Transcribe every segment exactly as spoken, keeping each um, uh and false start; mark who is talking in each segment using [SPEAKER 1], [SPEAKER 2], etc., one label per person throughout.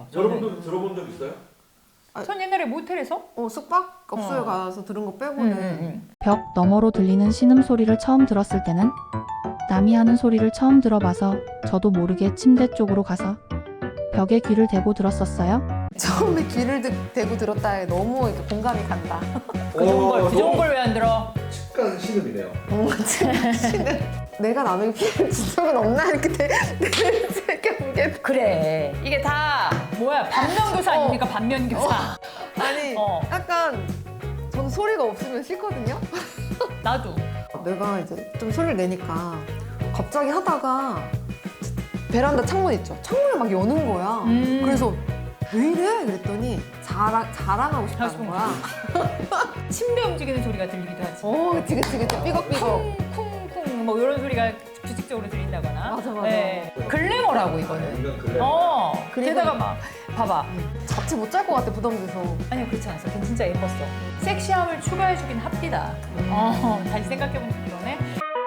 [SPEAKER 1] 여러분도 들어본 적 있어요?
[SPEAKER 2] 전 옛날에 모텔에서
[SPEAKER 3] 어 숙박업소에
[SPEAKER 2] 어.
[SPEAKER 3] 가서 들은 거 빼고는
[SPEAKER 2] 음, 음.
[SPEAKER 4] 벽 너머로 들리는 신음소리를 처음 들었을 때는 남이 하는 소리를 처음 들어봐서 저도 모르게 침대 쪽으로 가서 벽에 귀를 대고 들었었어요.
[SPEAKER 3] 처음에 귀를 드, 대고 들었다에 너무 이렇게 공감이 간다.
[SPEAKER 2] 그 좋은 걸, 그 좋은 걸 왜 안 들어?
[SPEAKER 1] 측간 신음이네요.
[SPEAKER 3] 어, 진짜 내가 남에게 피해를 준 적은 없나 이렇게 생각해.
[SPEAKER 2] 그래. 이게 다 뭐야 반면교사 아닙니까? 반면교사.
[SPEAKER 3] 아니
[SPEAKER 2] 어.
[SPEAKER 3] 약간 저는 소리가 없으면 싫거든요.
[SPEAKER 2] 나도.
[SPEAKER 3] 내가 이제 좀 소리를 내니까 갑자기 하다가 베란다 창문 있죠. 창문을 막 여는 거야.
[SPEAKER 2] 음.
[SPEAKER 3] 그래서 왜 이래? 그랬더니 자랑, 자랑하고 싶다는
[SPEAKER 2] 하고
[SPEAKER 3] 거야.
[SPEAKER 2] 침대 움직이는 소리가 들리기도 하지.
[SPEAKER 3] 어, 그치, 그치, 그치. 삐걱삐걱.
[SPEAKER 2] 쿵쿵쿵 뭐 이런 소리가 규칙적으로 들린다거나.
[SPEAKER 3] 맞아, 맞아.
[SPEAKER 2] 네. 글래머라고 이거는.
[SPEAKER 1] 인간 글래.
[SPEAKER 2] 어.
[SPEAKER 3] 그리고-
[SPEAKER 2] 게다가 막 봐봐.
[SPEAKER 3] 잡지 못 잘 것 같아, 부담돼서.
[SPEAKER 2] 아니요 그렇지 않았어. 걔 진짜 예뻤어. 섹시함을 추가해주긴 합디다. 어, 다시 생각해보니까 그러네.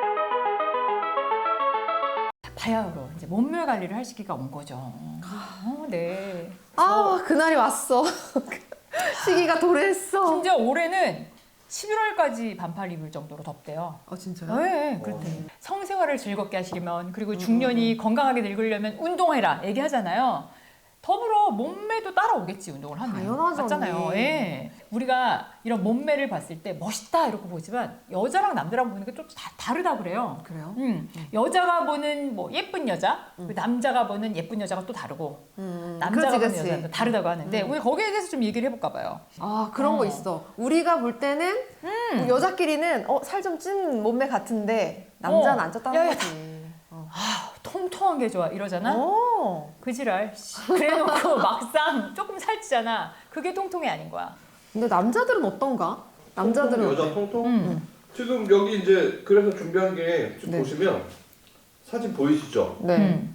[SPEAKER 2] 바야흐로 이제 몸매 관리를 할 시기가 온 거죠. 어, 네.
[SPEAKER 3] 아, 그날이 왔어. 시기가 도래했어.
[SPEAKER 2] 심지어 올해는 십일월까지 반팔 입을 정도로 덥대요.
[SPEAKER 3] 아, 진짜요?
[SPEAKER 2] 네, 그렇대. 성생활을 즐겁게 하시려면 그리고 중년이 건강하게 늙으려면 운동해라 얘기하잖아요. 더불어 몸매도 따라오겠지 운동을 하면.
[SPEAKER 3] 당연하죠,
[SPEAKER 2] 맞잖아요.
[SPEAKER 3] 언니.
[SPEAKER 2] 예. 우리가 이런 몸매를 봤을 때 멋있다 이렇게 보지만 여자랑 남자랑 보는 게 좀 다 다르다 그래요.
[SPEAKER 3] 그래요?
[SPEAKER 2] 음, 여자가 보는 뭐 예쁜 여자, 그리고 남자가 보는 예쁜 여자가 또 다르고
[SPEAKER 3] 음,
[SPEAKER 2] 남자가
[SPEAKER 3] 그렇지,
[SPEAKER 2] 보는
[SPEAKER 3] 그렇지.
[SPEAKER 2] 여자도 다르다고 하는데 우리 거기에 대해서 좀 얘기를 해볼까 봐요.
[SPEAKER 3] 아, 그런
[SPEAKER 2] 어.
[SPEAKER 3] 거 있어. 우리가 볼 때는 뭐 여자끼리는 어, 살 좀 찐 몸매 같은데 남자는
[SPEAKER 2] 어.
[SPEAKER 3] 안 쪘다는
[SPEAKER 2] 야, 야,
[SPEAKER 3] 거지. 어.
[SPEAKER 2] 아, 통통한 게 좋아 이러잖아.
[SPEAKER 3] 어.
[SPEAKER 2] 그 지랄. 씨. 그래놓고 막상 조금 살찌잖아. 그게 통통이 아닌 거야.
[SPEAKER 3] 근데 남자들은 어떤가? 남자들은
[SPEAKER 1] 여자
[SPEAKER 3] 어때?
[SPEAKER 1] 통통?
[SPEAKER 2] 음.
[SPEAKER 1] 지금 여기 이제 그래서 준비한 게 지금
[SPEAKER 3] 네.
[SPEAKER 1] 보시면 사진 보이시죠?
[SPEAKER 3] 네.
[SPEAKER 2] 음.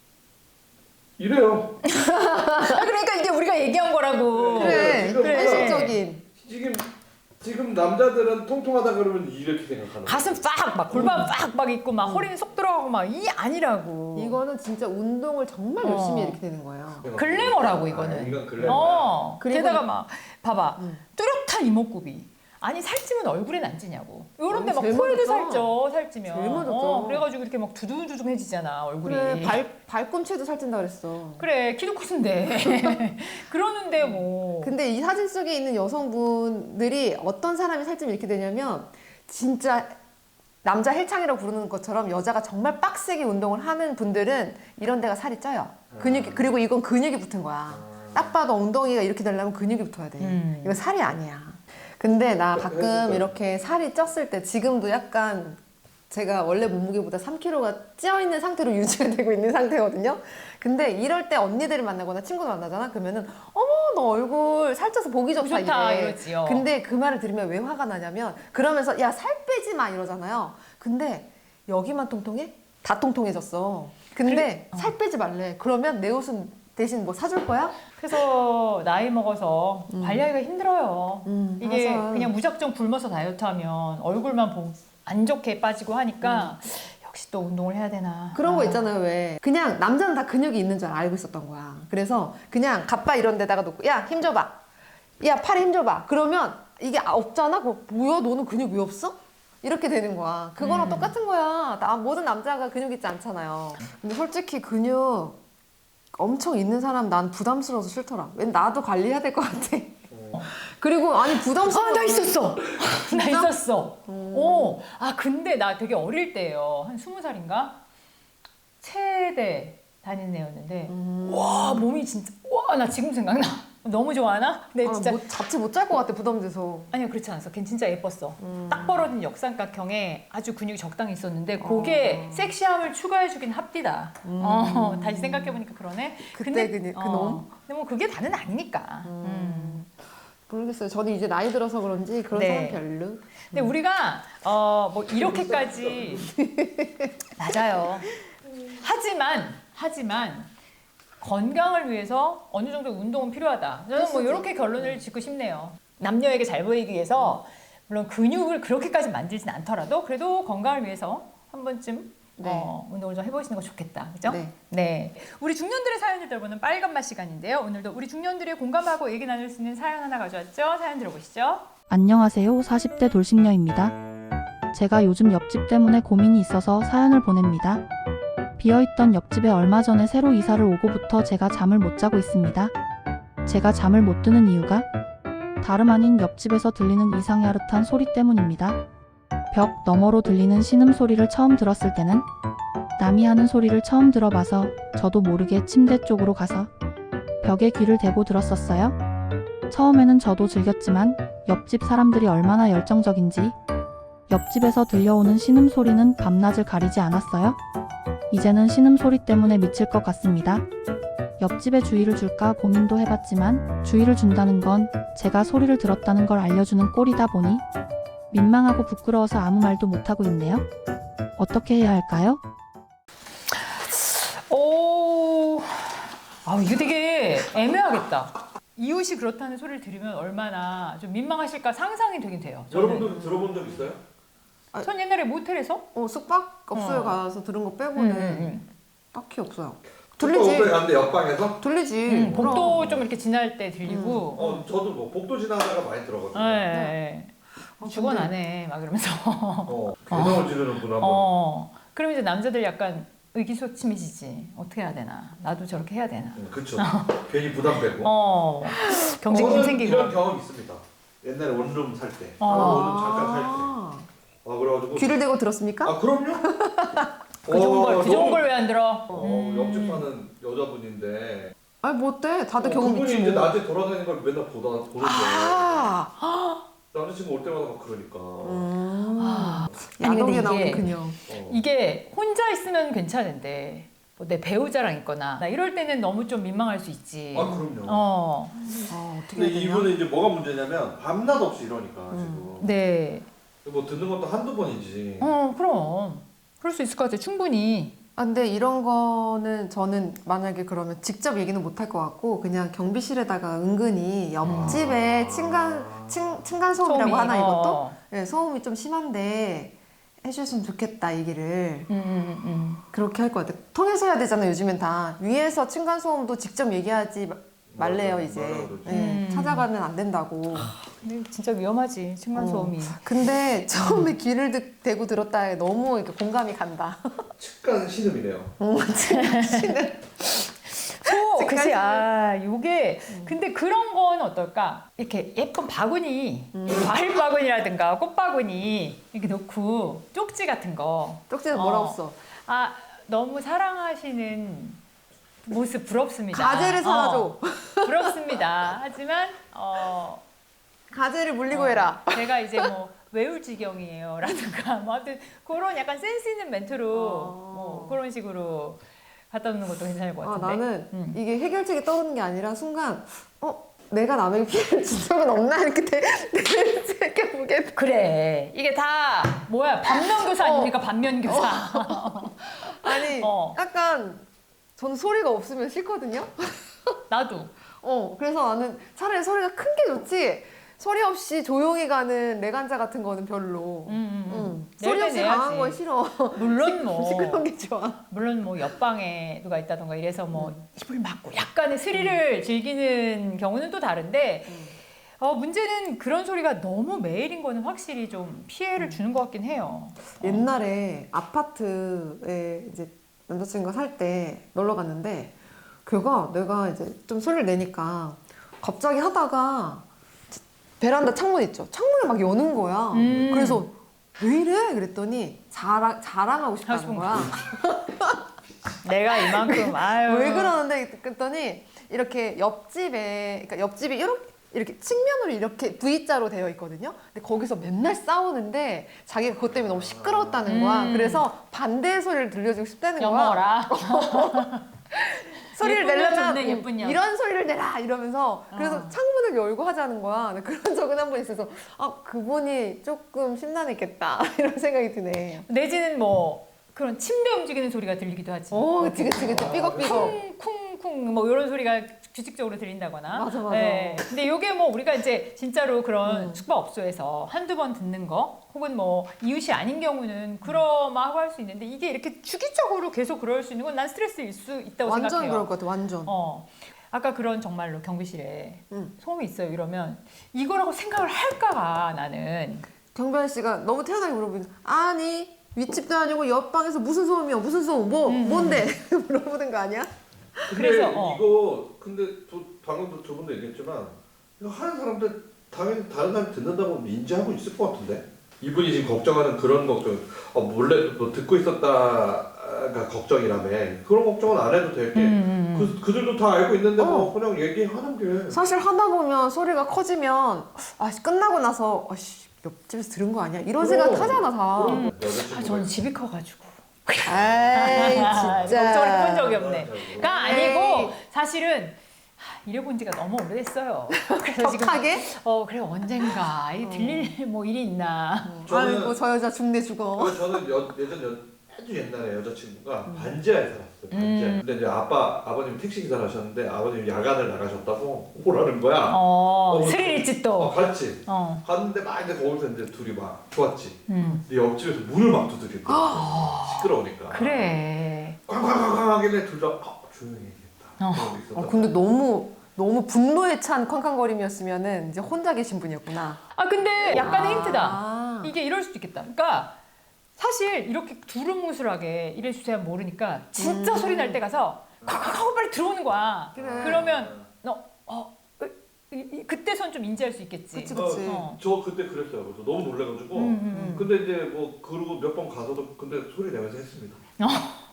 [SPEAKER 1] 이래요.
[SPEAKER 2] 아, 그러니까 이게 우리가 얘기한 거라고.
[SPEAKER 3] 그래,
[SPEAKER 1] 지금
[SPEAKER 2] 그래.
[SPEAKER 3] 현실적인.
[SPEAKER 1] 지금 지금 남자들은 통통하다 그러면 이렇게 생각하는 거예요.
[SPEAKER 2] 가슴 빡, 막 골반 빡, 막 있고 막 허리는 쏙 들어가고 막 이 아니라고.
[SPEAKER 3] 이거는 진짜 운동을 정말
[SPEAKER 2] 어.
[SPEAKER 3] 열심히 이렇게 되는 거예요.
[SPEAKER 2] 글래머라고
[SPEAKER 1] 아,
[SPEAKER 2] 이거는.
[SPEAKER 1] 인간 글래머.
[SPEAKER 2] 어.
[SPEAKER 3] 그리고
[SPEAKER 2] 게다가
[SPEAKER 3] 이-
[SPEAKER 2] 막 봐봐.
[SPEAKER 3] 음.
[SPEAKER 2] 뚜렷한 이목구비. 아니 살찌면 얼굴엔 안 찌냐고. 요런데
[SPEAKER 3] 아니,
[SPEAKER 2] 막
[SPEAKER 3] 제일
[SPEAKER 2] 코에도
[SPEAKER 3] 먼저
[SPEAKER 2] 살쪄 살찌면.
[SPEAKER 3] 제일 먼저
[SPEAKER 2] 어,
[SPEAKER 3] 쪄.
[SPEAKER 2] 그래가지고 이렇게 막 두둥두둥해지잖아 얼굴이.
[SPEAKER 3] 그래, 발, 발꿈치도 살찐다 그랬어.
[SPEAKER 2] 그래 키도 크신데 그러는데 뭐.
[SPEAKER 3] 근데 이 사진 속에 있는 여성분들이 어떤 사람이 살찌면 이렇게 되냐면 진짜 남자 헬창이라고 부르는 것처럼 여자가 정말 빡세게 운동을 하는 분들은 이런 데가 살이 쪄요. 근육이, 그리고 이건 근육이 붙은 거야. 딱 봐도 엉덩이가 이렇게 되려면 근육이 붙어야 돼.
[SPEAKER 2] 음.
[SPEAKER 3] 이건 살이 아니야. 근데 나
[SPEAKER 1] 그-
[SPEAKER 3] 가끔
[SPEAKER 1] 그러니까.
[SPEAKER 3] 이렇게 살이 쪘을 때 지금도 약간 제가 원래 몸무게보다 삼 킬로그램가 찌어 있는 상태로 유지가 되고 있는 상태거든요. 근데 이럴 때 언니들을 만나거나 친구를 만나잖아. 그러면은 어머 너 얼굴 살쪄서 보기 좋다,
[SPEAKER 2] 좋다
[SPEAKER 3] 이래.
[SPEAKER 2] 이러지요.
[SPEAKER 3] 근데 그 말을 들으면 왜 화가 나냐면 그러면서 야 살 빼지 마 이러잖아요. 근데 여기만 통통해? 다 통통해졌어. 근데
[SPEAKER 2] 그래- 어.
[SPEAKER 3] 살 빼지 말래. 그러면 내 옷은 대신 뭐 사줄 거야?
[SPEAKER 2] 그래서 나이 먹어서 관리하기가 힘들어요.
[SPEAKER 3] 음,
[SPEAKER 2] 이게
[SPEAKER 3] 맞아.
[SPEAKER 2] 그냥 무작정 굶어서 다이어트하면 얼굴만 보, 안 좋게 빠지고 하니까 역시 또 운동을 해야 되나.
[SPEAKER 3] 그런 거
[SPEAKER 2] 아.
[SPEAKER 3] 있잖아요. 왜 그냥 남자는 다 근육이 있는 줄 알고 있었던 거야. 그래서 그냥 갑바 이런 데다가 놓고 야 힘 줘봐. 야 팔에 힘 줘봐. 그러면 이게 아, 없잖아. 그거 뭐야 너는 근육 왜 없어? 이렇게 되는 거야. 그거랑
[SPEAKER 2] 음.
[SPEAKER 3] 똑같은 거야. 나 모든 남자가 근육 있지 않잖아요. 근데 솔직히 근육 엄청 있는 사람 난 부담스러워서 싫더라. 왜 나도 관리해야 될 것 같아. 그리고 아니 부담스러워.
[SPEAKER 2] 아, 나 있었어. 나
[SPEAKER 3] 진짜?
[SPEAKER 2] 있었어. 오. 아, 근데 나 되게 어릴 때예요. 한 스무 살인가? 체대 다니는 애였는데
[SPEAKER 3] 음.
[SPEAKER 2] 와, 몸이 진짜 와, 나 지금 생각나. 너무 좋아하나? 근데
[SPEAKER 3] 아,
[SPEAKER 2] 진짜
[SPEAKER 3] 뭐 잡지 못 잘 것 같아 부담돼서.
[SPEAKER 2] 아니요 그렇지 않았어. 걔 진짜 예뻤어.
[SPEAKER 3] 음.
[SPEAKER 2] 딱 벌어진 역삼각형에 아주 근육이 적당히 있었는데 그게
[SPEAKER 3] 어.
[SPEAKER 2] 섹시함을 추가해주긴 합디다. 어, 다시 생각해보니까 그러네.
[SPEAKER 3] 그때 그- 그 놈?
[SPEAKER 2] 근데 뭐 그게 다는 아니니까. 음.
[SPEAKER 3] 모르겠어요. 저는 이제 나이 들어서 그런지 그런
[SPEAKER 2] 네.
[SPEAKER 3] 사람 별로.
[SPEAKER 2] 근데 우리가 어, 뭐 이렇게까지 맞아요. 하지만 하지만 건강을 위해서 어느 정도 운동은 필요하다. 저는 뭐
[SPEAKER 3] 필수지.
[SPEAKER 2] 이렇게 결론을 짓고 싶네요. 남녀에게 잘 보이기 위해서 물론 근육을 그렇게까지 만들진 않더라도 그래도 건강을 위해서 한 번쯤
[SPEAKER 3] 네.
[SPEAKER 2] 어, 운동을 좀 해보시는 거 좋겠다. 그죠?
[SPEAKER 3] 네.
[SPEAKER 2] 네. 우리 중년들의 사연을 들어보는 빨간맛 시간인데요. 오늘도 우리 중년들이 공감하고 얘기 나눌 수 있는 사연 하나 가져왔죠? 사연 들어보시죠.
[SPEAKER 4] 안녕하세요. 사십 대 돌싱녀입니다. 제가 요즘 옆집 때문에 고민이 있어서 사연을 보냅니다. 비어있던 옆집에 얼마 전에 새로 이사를 오고부터 제가 잠을 못 자고 있습니다. 제가 잠을 못 드는 이유가 다름 아닌 옆집에서 들리는 이상야릇한 소리 때문입니다. 벽 너머로 들리는 신음소리를 처음 들었을 때는 남이 하는 소리를 처음 들어봐서 저도 모르게 침대 쪽으로 가서 벽에 귀를 대고 들었었어요. 처음에는 저도 즐겼지만 옆집 사람들이 얼마나 열정적인지 옆집에서 들려오는 신음소리는 밤낮을 가리지 않았어요. 이제는 신음소리 때문에 미칠 것 같습니다. 옆집에 주의를 줄까 고민도 해봤지만 주의를 준다는 건 제가 소리를 들었다는 걸 알려주는 꼴이다 보니 민망하고 부끄러워서 아무 말도 못하고 있네요. 어떻게 해야 할까요?
[SPEAKER 2] 오, 아 이거 되게 애매하겠다. 이웃이 그렇다는 소리를 들으면 얼마나 좀 민망하실까 상상이 되긴 돼요. 저는.
[SPEAKER 1] 여러분들 들어본 적 있어요?
[SPEAKER 2] 전 옛날에 모텔에서
[SPEAKER 3] 어, 숙박 업소에
[SPEAKER 2] 어.
[SPEAKER 3] 가서 들은 거
[SPEAKER 2] 음,
[SPEAKER 3] 빼고는
[SPEAKER 2] 음,
[SPEAKER 3] 딱히 없어요.
[SPEAKER 1] 들리지.
[SPEAKER 3] 들리지.
[SPEAKER 1] 복도에 갔는데 옆방에서?
[SPEAKER 3] 들리지.
[SPEAKER 2] 음. 음, 복도
[SPEAKER 3] 그럼.
[SPEAKER 2] 좀 이렇게 지날 때 들리고.
[SPEAKER 1] 어, 저도 뭐 복도 지나다가 많이 들어거든요.
[SPEAKER 2] 네. 네.
[SPEAKER 3] 아,
[SPEAKER 2] 죽어나네 막 이러면서.
[SPEAKER 1] 어, 개성을 지르는구나. 뭐.
[SPEAKER 2] 어. 그럼 이제 남자들 약간 의기소침해지지. 어떻게 해야 되나? 나도 저렇게 해야 되나?
[SPEAKER 1] 음, 그쵸. 괜히 부담 빼고.
[SPEAKER 2] 어. 경쟁심
[SPEAKER 1] 저는
[SPEAKER 2] 생기고.
[SPEAKER 1] 이런 경험 있습니다. 옛날에 원룸 살 때.
[SPEAKER 2] 어.
[SPEAKER 1] 원룸 잠깐 살 때.
[SPEAKER 3] 아.
[SPEAKER 1] 아 그래가지고.
[SPEAKER 3] 귀를 대고 들었습니까?
[SPEAKER 1] 아 그럼요.
[SPEAKER 2] 그 좋은 걸,
[SPEAKER 1] 어,
[SPEAKER 2] 그 좋은
[SPEAKER 1] 너무-
[SPEAKER 2] 걸 왜 안 들어?
[SPEAKER 1] 어,
[SPEAKER 2] 음.
[SPEAKER 1] 옆집 사는 여자분인데.
[SPEAKER 3] 아니 뭐 어때? 다들
[SPEAKER 1] 어,
[SPEAKER 3] 경험
[SPEAKER 1] 그분이
[SPEAKER 3] 있지
[SPEAKER 1] 이제
[SPEAKER 3] 뭐.
[SPEAKER 1] 낮에 돌아다니는 걸 맨날 보다 보는데.
[SPEAKER 3] 아.
[SPEAKER 1] 남자친구 올 때마다 막 그러니까.
[SPEAKER 3] 음.
[SPEAKER 2] 아. 아니, 근데
[SPEAKER 3] 야동에
[SPEAKER 2] 이게-
[SPEAKER 3] 나오는 그녀.
[SPEAKER 1] 어.
[SPEAKER 2] 이게 혼자 있으면 괜찮은데 뭐 내 배우자랑 있거나 나 이럴 때는 너무 좀 민망할 수 있지.
[SPEAKER 1] 아 그럼요.
[SPEAKER 2] 어,
[SPEAKER 3] 아, 어떻게
[SPEAKER 1] 근데
[SPEAKER 3] 해야 되냐?
[SPEAKER 1] 이분은 이제 뭐가 문제냐면 밤낮 없이 이러니까
[SPEAKER 3] 음.
[SPEAKER 2] 네.
[SPEAKER 1] 지금 뭐 듣는 것도 한두 번이지.
[SPEAKER 2] 어, 그럼 그럴 수 있을 것 같아. 충분히.
[SPEAKER 3] 아, 근데 이런 거는 저는 만약에 그러면 직접 얘기는 못 할 것 같고 그냥 경비실에다가 은근히 옆집에
[SPEAKER 1] 아.
[SPEAKER 3] 층간 층, 층간 소음이라고
[SPEAKER 2] 소음이,
[SPEAKER 3] 하나 이것도
[SPEAKER 2] 어.
[SPEAKER 3] 네, 소음이 좀 심한데 해주셨으면 좋겠다 얘기를
[SPEAKER 2] 음, 음, 음.
[SPEAKER 3] 그렇게 할 것 같아요. 통해서 해야 되잖아요. 요즘엔 다 위에서 층간 소음도 직접 얘기하지 마- 말래요
[SPEAKER 1] 맞아,
[SPEAKER 3] 이제.
[SPEAKER 1] 맞아, 그러지.
[SPEAKER 3] 네,
[SPEAKER 2] 음.
[SPEAKER 3] 찾아가면 안 된다고.
[SPEAKER 2] 근데 진짜 위험하지. 층간
[SPEAKER 3] 어.
[SPEAKER 2] 소음이.
[SPEAKER 3] 근데 처음에 귀를 드, 대고 들었다에 너무 이렇게 공감이 간다.
[SPEAKER 1] 측간 신음이네요.
[SPEAKER 3] 어, 씨는
[SPEAKER 2] 소, 그치. 아, 요게 근데 그런 건 어떨까? 이렇게 예쁜 바구니, 과일 바구니라든가 꽃 바구니 이렇게 넣고 쪽지 같은 거.
[SPEAKER 3] 쪽지는
[SPEAKER 2] 어.
[SPEAKER 3] 뭐라고 써?
[SPEAKER 2] 아, 너무 사랑하시는 모습 부럽습니다.
[SPEAKER 3] 가재를 사줘.
[SPEAKER 2] 어, 부럽습니다. 하지만 어,
[SPEAKER 3] 가재를 물리고
[SPEAKER 2] 어,
[SPEAKER 3] 해라.
[SPEAKER 2] 제가 이제 뭐 외울 지경이에요. 라든가 뭐 하여튼 그런 약간 센스 있는 멘트로
[SPEAKER 3] 어.
[SPEAKER 2] 뭐 그런 식으로 갖다 놓는 것도 괜찮을 것
[SPEAKER 3] 아,
[SPEAKER 2] 같은데.
[SPEAKER 3] 나는
[SPEAKER 2] 음.
[SPEAKER 3] 이게 해결책이 떠오르는 게 아니라 순간 어 내가 남에게 피해를 준 적은 없나 이렇게 되- 되- 생각해보게 돼.
[SPEAKER 2] 그래. 이게 다 뭐야? 반면교사
[SPEAKER 3] 어.
[SPEAKER 2] 아닙니까? 반면교사.
[SPEAKER 3] 아니
[SPEAKER 2] 어.
[SPEAKER 3] 약간 저는 소리가 없으면 싫거든요.
[SPEAKER 2] 나도.
[SPEAKER 3] 어 그래서 나는 차라리 소리가 큰 게 좋지 소리 없이 조용히 가는 내간자 같은 거는 별로.
[SPEAKER 2] 음, 음, 음.
[SPEAKER 3] 응.
[SPEAKER 2] 낼
[SPEAKER 3] 소리
[SPEAKER 2] 때
[SPEAKER 3] 없이 강한
[SPEAKER 2] 내야지.
[SPEAKER 3] 건 싫어.
[SPEAKER 2] 물론 뭐
[SPEAKER 3] 시끄러운 게 좋아.
[SPEAKER 2] 물론 뭐 옆방에 누가 있다던가 이래서 뭐 입을 막고 약간의 스릴을 즐기는 경우는 또 다른데 어, 문제는 그런 소리가 너무 매일인 거는 확실히 좀 피해를 주는 것 같긴 해요.
[SPEAKER 3] 옛날에 아파트에 이제 남자친구가 살 때 놀러 갔는데 걔가 내가 이제 좀 소리를 내니까 갑자기 하다가 베란다 창문 있죠. 창문을 막 여는 거야.
[SPEAKER 2] 음.
[SPEAKER 3] 그래서 왜 이래? 그랬더니 자랑, 자랑하고 싶다는
[SPEAKER 2] 하고
[SPEAKER 3] 거야.
[SPEAKER 2] 내가 이만큼 아유.
[SPEAKER 3] 왜 그러는데 그랬더니 이렇게 옆집에 그러니까 옆집이 이렇게 이렇게 측면으로 이렇게 V자로 되어 있거든요. 근데 거기서 맨날 싸우는데 자기가 그것 때문에 너무 시끄러웠다는 거야.
[SPEAKER 2] 음.
[SPEAKER 3] 그래서 반대의 소리를 들려주고 싶다는 거야.
[SPEAKER 2] 영어라.
[SPEAKER 3] 소리를
[SPEAKER 2] 예쁜 년
[SPEAKER 3] 내려면
[SPEAKER 2] 좋네, 예쁜 년.
[SPEAKER 3] 이런 소리를 내라 이러면서 그래서
[SPEAKER 2] 어.
[SPEAKER 3] 창문을 열고 하자는 거야. 근데 그런 적은 한 번 있어서 아 그분이 조금 심란했겠다 이런 생각이 드네.
[SPEAKER 2] 내지는 뭐 그런 침대 움직이는 소리가 들리기도 하지.
[SPEAKER 3] 오 그치 그치 그치 삐걱삐걱.
[SPEAKER 2] 쿵쿵쿵 뭐 이런 소리가 규칙적으로 드린다거나.
[SPEAKER 3] 맞아, 맞아.
[SPEAKER 2] 네. 근데 이게 뭐 우리가 이제 진짜로 그런
[SPEAKER 3] 음.
[SPEAKER 2] 숙박업소에서 한두 번 듣는 거 혹은 뭐 이웃이 아닌 경우는 그러마하고 할 수 있는데 이게 이렇게 주기적으로 계속 그럴 수 있는 건 난 스트레스일 수 있다고
[SPEAKER 3] 완전
[SPEAKER 2] 생각해요.
[SPEAKER 3] 그럴 것 같아. 완전.
[SPEAKER 2] 어. 아까 그런 정말로 경비실에
[SPEAKER 3] 음.
[SPEAKER 2] 소음이 있어요 이러면 이거라고 생각을 할까봐 나는.
[SPEAKER 3] 경별 씨가 너무 태연하게 물어보는 아니 윗집도 아니고 옆방에서 무슨 소음이야 무슨 소음 뭐
[SPEAKER 2] 음.
[SPEAKER 3] 뭔데 물어보는 거 아니야?
[SPEAKER 1] 근데
[SPEAKER 2] 그래서, 어.
[SPEAKER 1] 이거 근데 두, 방금도 두 분도 얘기했지만 이거 하는 사람들 당연히 다른 사람 듣는다고 인지하고 있을 것 같은데 이분이 지금 걱정하는 그런 걱정 어, 몰래 뭐 듣고 있었다가 걱정이라며 그런 걱정은 안 해도 될게
[SPEAKER 2] 음.
[SPEAKER 1] 그, 그들도 다 알고 있는데 뭐
[SPEAKER 3] 어.
[SPEAKER 1] 그냥 얘기하는 게
[SPEAKER 3] 사실 하다 보면 소리가 커지면 아 끝나고 나서 아씨 옆집에서 들은 거 아니야 이런 생각
[SPEAKER 1] 그럼.
[SPEAKER 3] 하잖아 다.
[SPEAKER 1] 그럼
[SPEAKER 2] 아,
[SPEAKER 1] 여자친구가
[SPEAKER 2] 저는 집이 커가지고.
[SPEAKER 3] 에이 진짜.
[SPEAKER 2] 걱정을 해본 적이 없네.
[SPEAKER 1] 아,
[SPEAKER 2] 가
[SPEAKER 3] 에이.
[SPEAKER 2] 아니고 사실은 하, 일해본 지가 너무 오래됐어요. 그래서 지금
[SPEAKER 3] 격하게?
[SPEAKER 2] 어 그래 언젠가 이 들릴 뭐 일이 있나.
[SPEAKER 1] 저는-
[SPEAKER 3] 아이고 저 여자 죽네 죽어.
[SPEAKER 1] 그래서 저는 여, 예전 여, 아주 옛날에 여자친구가 반지하에 살았어요. 반지하.
[SPEAKER 2] 음.
[SPEAKER 1] 근데 이제 아빠 아버님 택시 기사를 하셨는데 아버님 야간을 나가셨다고 오라는 거야.
[SPEAKER 2] 어,
[SPEAKER 1] 어,
[SPEAKER 2] 스릴 있지
[SPEAKER 1] 어,
[SPEAKER 2] 또.
[SPEAKER 1] 갔지.
[SPEAKER 2] 어.
[SPEAKER 1] 갔는데 막 이제 거기서 이제 둘이 막 좋았지.
[SPEAKER 2] 음.
[SPEAKER 1] 근데 옆집에서 문을 막 두드리고 시끄러우니까.
[SPEAKER 2] 그래.
[SPEAKER 1] 쾅쾅쾅쾅 하길래 둘 다 아, 조용히 해야겠다.
[SPEAKER 2] 어.
[SPEAKER 1] 그러고 있었다.
[SPEAKER 3] 어, 근데 너무 너무 분노에 찬 쾅쾅거림이었으면은 이제 혼자 계신 분이었구나.
[SPEAKER 2] 아 근데 약간의
[SPEAKER 3] 아.
[SPEAKER 2] 힌트다. 이게 이럴 수도 있겠다. 그러니까 사실 이렇게 두루뭉술하게 이래 주세요 모르니까 진짜
[SPEAKER 3] 음.
[SPEAKER 2] 소리 날 때 가서 콱콱 하고 빨리 들어오는 거야.
[SPEAKER 3] 그래.
[SPEAKER 2] 그러면 너 어, 이, 이, 그때선 좀 인지할 수 있겠지.
[SPEAKER 3] 그치,
[SPEAKER 1] 어,
[SPEAKER 3] 그치.
[SPEAKER 2] 어.
[SPEAKER 1] 저 그때 그랬어요. 그래서 너무 놀래가지고.
[SPEAKER 2] 음, 음,
[SPEAKER 1] 근데 이제 뭐 그러고 몇 번 가서도 근데 소리 내면서 했습니다.
[SPEAKER 2] 음.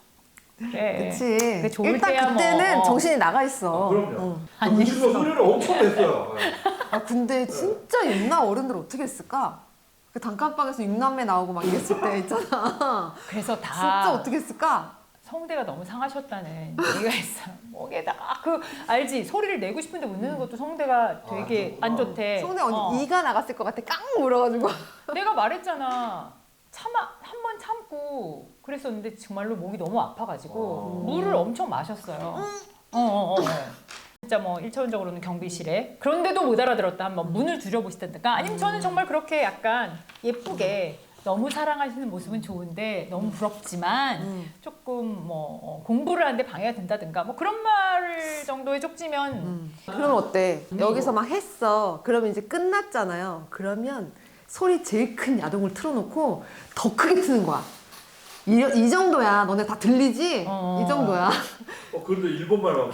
[SPEAKER 2] 그래.
[SPEAKER 3] 그치.
[SPEAKER 2] 그게 좋을
[SPEAKER 3] 일단
[SPEAKER 2] 때야
[SPEAKER 3] 그때는
[SPEAKER 2] 뭐.
[SPEAKER 3] 정신이 나가 있어.
[SPEAKER 1] 아, 그럼요.
[SPEAKER 3] 응.
[SPEAKER 2] 안
[SPEAKER 1] 그 친구가 소리를 엄청 냈어요. 네.
[SPEAKER 3] 아 근데 진짜 옛날 어른들 어떻게 했을까? 그 단칸방에서 육남매 나오고 막 이랬을 때 있잖아.
[SPEAKER 2] 그래서 다
[SPEAKER 3] 진짜 어떻게 했을까?
[SPEAKER 2] 성대가 너무 상하셨다는 얘기가 있어요. 목에다가 그 알지 소리를 내고 싶은데 못 내는 것도 성대가 되게
[SPEAKER 1] 아,
[SPEAKER 2] 안
[SPEAKER 1] 그렇구나.
[SPEAKER 2] 좋대.
[SPEAKER 3] 성대 언니
[SPEAKER 2] 어.
[SPEAKER 3] 이가 나갔을 것 같아. 깡 물어가지고.
[SPEAKER 2] 내가 말했잖아. 참아 한 번 참고 그랬었는데 정말로 목이 너무 아파가지고
[SPEAKER 1] 어.
[SPEAKER 2] 물을 엄청 마셨어요. 어, 어, 어. 진짜 뭐 일차원적으로는 경비실에 그런데도 못 알아들었다 한번 문을 두려보시던가 아니면 저는 정말 그렇게 약간 예쁘게 너무 사랑하시는 모습은 좋은데 너무 부럽지만
[SPEAKER 3] 음.
[SPEAKER 2] 조금 뭐 어, 공부를 하는데 방해가 된다든가 뭐 그런 말 정도의 쪽지면
[SPEAKER 3] 음. 그러면 어때? 여기서 막 했어. 그러면 이제 끝났잖아요. 그러면 소리 제일 큰 야동을 틀어놓고 더 크게 트는 거야. 이, 이 정도야. 너네 다 들리지?
[SPEAKER 2] 어.
[SPEAKER 3] 이 정도야.
[SPEAKER 1] 어 그런데 일본말만.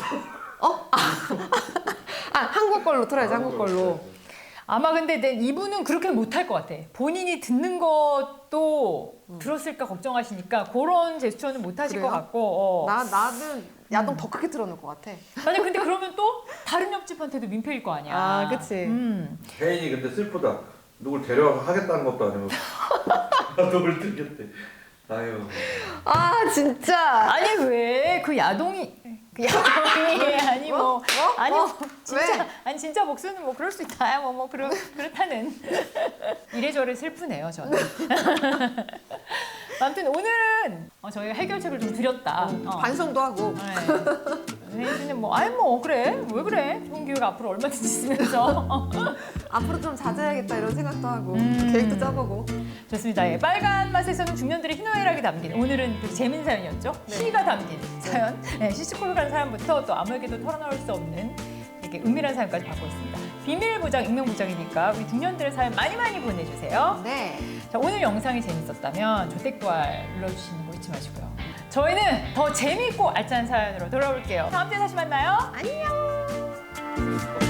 [SPEAKER 3] 아 한국 걸로 틀어야지. 한국 걸로.
[SPEAKER 2] 아마 근데 내 이분은 그렇게 못할 것 같아. 본인이 듣는 것도 들었을까 걱정하시니까 그런 제스처는 못하실
[SPEAKER 3] 그래요?
[SPEAKER 2] 것 같고. 어.
[SPEAKER 3] 나 나는 야동 더 크게 틀어놓을 것 같아.
[SPEAKER 2] 아니 근데 그러면 또 다른 옆집한테도 민폐일 거 아니야.
[SPEAKER 3] 아, 그치.
[SPEAKER 2] 음.
[SPEAKER 1] 혜인이 근데 슬프다. 누굴 데려와서 하겠다는 것도 아니고 누굴 들겠대. 아유.
[SPEAKER 3] 아 진짜.
[SPEAKER 2] 아니 왜 그 야동이 그 야동이 아니 뭐
[SPEAKER 3] 어?
[SPEAKER 2] 아니
[SPEAKER 3] 어?
[SPEAKER 2] 뭐 진짜
[SPEAKER 3] 왜?
[SPEAKER 2] 아니 진짜 목수는 뭐 그럴 수 있다 뭐뭐 그렇 그렇다는 이래저래 슬프네요 저는. 아무튼 오늘은 어, 저희가 해결책을 좀 드렸다. 어.
[SPEAKER 3] 반성도 하고.
[SPEAKER 2] 네. 혜진은 뭐 아니 뭐 그래 왜 그래 좋은 기회가 앞으로 얼마든지 있으면서
[SPEAKER 3] 앞으로 좀 자제해야겠다 이런 생각도 하고
[SPEAKER 2] 음.
[SPEAKER 3] 계획도 짜보고.
[SPEAKER 2] 좋습니다. 예, 빨간 맛에서는 중년들의 희노애락이 담긴 오늘은 그 재밌는 사연이었죠.
[SPEAKER 3] 네.
[SPEAKER 2] 시가 담긴 사연, 네, 시시콜콜한 사연부터 또 아무에게도 털어놓을 수 없는 이렇게 은밀한 사연까지 받고 있습니다. 비밀 보장, 익명 보장이니까 우리 중년들의 사연 많이 많이 보내주세요.
[SPEAKER 3] 네.
[SPEAKER 2] 자, 오늘 영상이 재밌었다면 조댓글 눌러주시는 거 잊지 마시고요. 저희는 더 재미있고 알찬 사연으로 돌아올게요. 다음 주에 다시 만나요.
[SPEAKER 3] 안녕.